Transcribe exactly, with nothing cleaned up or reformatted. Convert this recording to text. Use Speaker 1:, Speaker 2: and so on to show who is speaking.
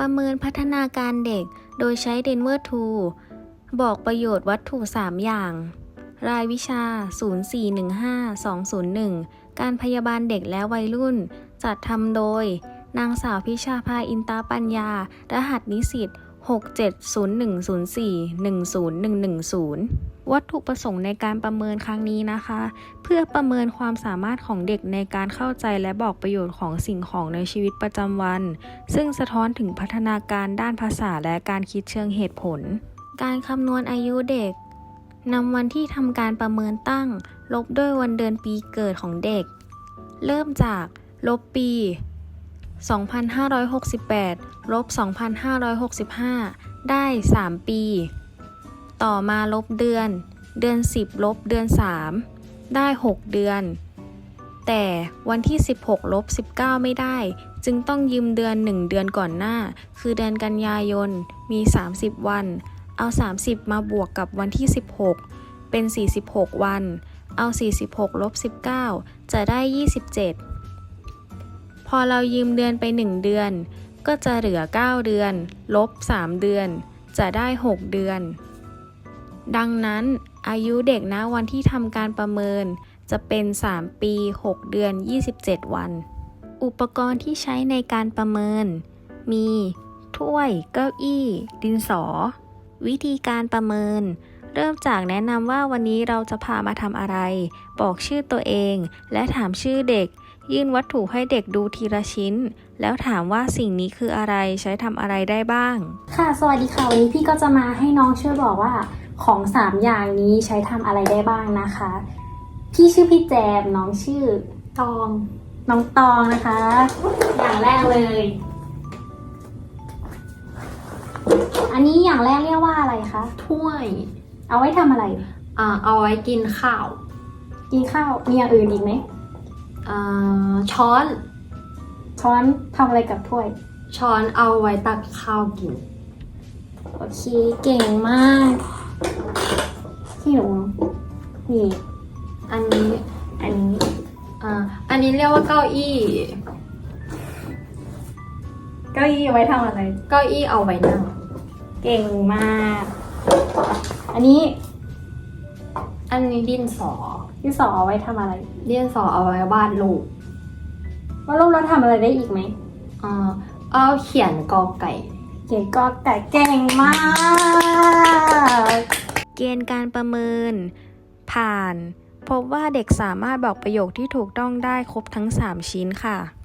Speaker 1: ประเมินพัฒนาการเด็กโดยใช้ Denver Tool บอกประโยชน์วัตถุ สาม อย่าง รายวิชา ศูนย์ สี่ หนึ่ง ห้า สอง ศูนย์ หนึ่ง การพยาบาลเด็กและวัยรุ่น จัดทำโดย นางสาวพิชาภา อินตาปัญญา รหัสนิสิต หก เจ็ด ศูนย์ หนึ่ง ศูนย์ สี่ หนึ่ง ศูนย์ หนึ่ง หนึ่ง ศูนย์ วัตถุประสงค์ในการประเมินครั้งนี้นะคะ เพื่อประเมินความสามารถของเด็กในการเข้าใจและบอกประโยชน์ของสิ่งของในชีวิตประจำวัน ซึ่งสะท้อนถึงพัฒนาการด้านภาษาและการคิดเชิงเหตุผล การคำนวณอายุเด็กนำวันที่ทำการประเมินตั้งลบด้วยวันเดือนปีเกิดของเด็ก เริ่มจากลบปี สองพันห้าร้อยหกสิบแปด ลบ สองพันห้าร้อยหกสิบห้า ได้ สาม ปี ต่อมาลบเดือน เดือน สิบ ลบเดือน สาม ได้ หก เดือน แต่วันที่ สิบหก ลบ สิบเก้า ไม่ได้ จึงต้องยืมเดือน หนึ่ง เดือนก่อนหน้า คือเดือนกันยายน มี สามสิบ วัน เอา สามสิบ มาบวกกับวันที่ สิบหก เป็น สี่สิบหก วัน เอา สี่สิบหก ลบ สิบเก้า จะได้ ยี่สิบเจ็ด พอเรายืมเดือนไป หนึ่ง เดือน ก็จะเหลือ เก้า เดือน ลบ สาม เดือน จะได้ หก เดือน ดังนั้นอายุเด็กณวันที่ทำการประเมินจะเป็น สาม ปี หก เดือน ยี่สิบเจ็ด วัน อุปกรณ์ที่ใช้ในการประเมิน มี ถ้วย เก้าอี้ ดินสอ วิธีการประเมิน เริ่มจากแนะนำว่าวันนี้เราจะพามาทำอะไร บอกชื่อตัวเอง และถามชื่อเด็ก ยื่นวัตถุให้เด็กดูทีละชิ้น แล้วถามว่าสิ่งนี้คืออะไร ใช้ทำอะไรได้บ้าง
Speaker 2: ค่ะ สวัสดีค่ะ วันนี้พี่ก็จะมาให้น้องช่วยบอกว่าของสามอย่างนี้ใช้ทำอะไรได้บ้างนะคะ พี่ชื่อพี่แจม น้องชื่อตอง น้องตองนะคะ อย่างแรกเลย อันนี้อย่างแรกเรียกว่าอะไรคะ
Speaker 3: ถ้วย
Speaker 2: เอาไว้ทำอะไร
Speaker 3: อ่าเอาไว้กินข้าว
Speaker 2: กินข้าว มีอย่างอื่นอีกไหม
Speaker 3: อ่าช้อน
Speaker 2: ช้อนทำอะไรกับถ้วย
Speaker 3: ช้อนเอาไว้ตักข้าวกิน
Speaker 2: โอเค เก่งมากพี่หนูนี่
Speaker 3: อันนี้
Speaker 2: อันนี้
Speaker 3: อ่าอันนี้เรียกว่าเก้าอี้
Speaker 2: เก้าอี้เอาไว้ทำอะไร
Speaker 3: เก้าอี้เอาไว้นั่ง
Speaker 2: เก่งมาก อันนี้
Speaker 3: อันนี้ดินสอ
Speaker 2: ที่สองเอาไว้ทำอะไร
Speaker 3: ดินสอเอาไว้วาดรูป
Speaker 2: ว่าลูกเราทำอะไรได้อีกไหม
Speaker 3: อ่าเอาเขียนกอไก่
Speaker 2: เก่งก็แต่เก่งมาก
Speaker 1: เกณฑ์การประเมิน ผ่าน พบว่าเด็กสามารถบอกประโยคที่ถูกต้องได้ครบทั้ง สาม ชิ้นค่ะ